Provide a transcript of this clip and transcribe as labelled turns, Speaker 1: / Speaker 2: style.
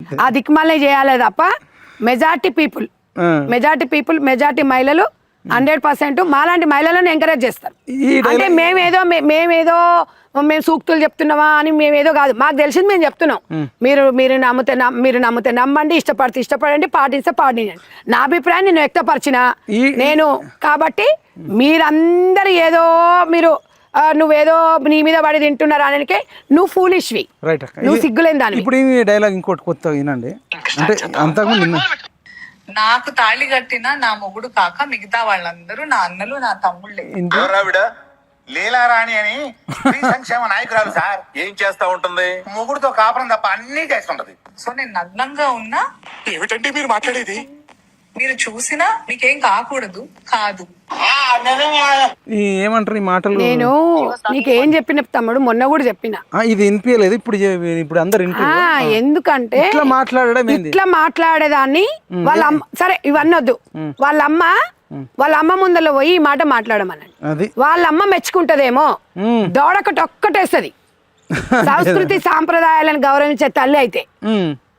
Speaker 1: ఆ దిక్కుమాలే చేయాలి తప్ప మెజార్టీ మెజార్టీ మహిళలు 100% మాలాంటి మహిళలను ఎంకరేజ్ చేస్తారు. అంటే మేము సూక్తులు చెప్తున్నావా అని మేమేదో కాదు, మాకు తెలిసింది మేము చెప్తున్నాం. మీరు నమ్మితే నమ్మండి, ఇష్టపడండి, పాటిస్తే పాటించండి. నా అభిప్రాయం నేను వ్యక్తపరిచిన నేను కాబట్టి మీరందరూ ఏదో నువ్వేదో నీ మీద పడి తింటున్నారు అనకే నువ్వు ఫూలిష్వి, నువ్వు సిగ్గులేని దాన్ని.
Speaker 2: ఇప్పుడు ఈ డైలాగ్ ఇంకోటి కొత్తగా వినండి. అంటే అంతకుముందు
Speaker 3: నాకు తాళి కట్టిన నా మొగుడు కాక మిగతా వాళ్ళందరూ నా అన్నలు, నా తమ్ముళ్ళే.
Speaker 4: లీలారాణి అని స్త్రీ సంక్షేమ నాయకురాలు సార్. ఏం చేస్తా ఉంటుంది? మొగుడుతో కాపురం తప్ప అన్ని చేస్తుంటది.
Speaker 3: సో నేను నగ్నంగా ఉన్నా
Speaker 4: ఏమిటంటే మీరు మాట్లాడేది?
Speaker 3: మీరు చూసినా మీకేం కాకూడదు కాదు.
Speaker 2: ఏమంటారు ఈ మాటలు?
Speaker 1: నేను నీకేం చెప్పిన తమ్ముడు, మొన్న కూడా చెప్పిన,
Speaker 2: ఇది వినిపించలేదు. ఇప్పుడు అందరు
Speaker 1: ఎందుకంటే
Speaker 2: ఇట్లా
Speaker 1: మాట్లాడేదాన్ని వాళ్ళ సరే ఇవన్నీ వద్దు, వాళ్ళ అమ్మ ముందర పోయి ఈ మాట మాట్లాడమనండి. వాళ్ళ అమ్మ మెచ్చుకుంటదేమో, దోడకటి ఒక్కటేస్తుంది. సంస్కృతి సాంప్రదాయాలను గౌరవించే తల్లి అయితే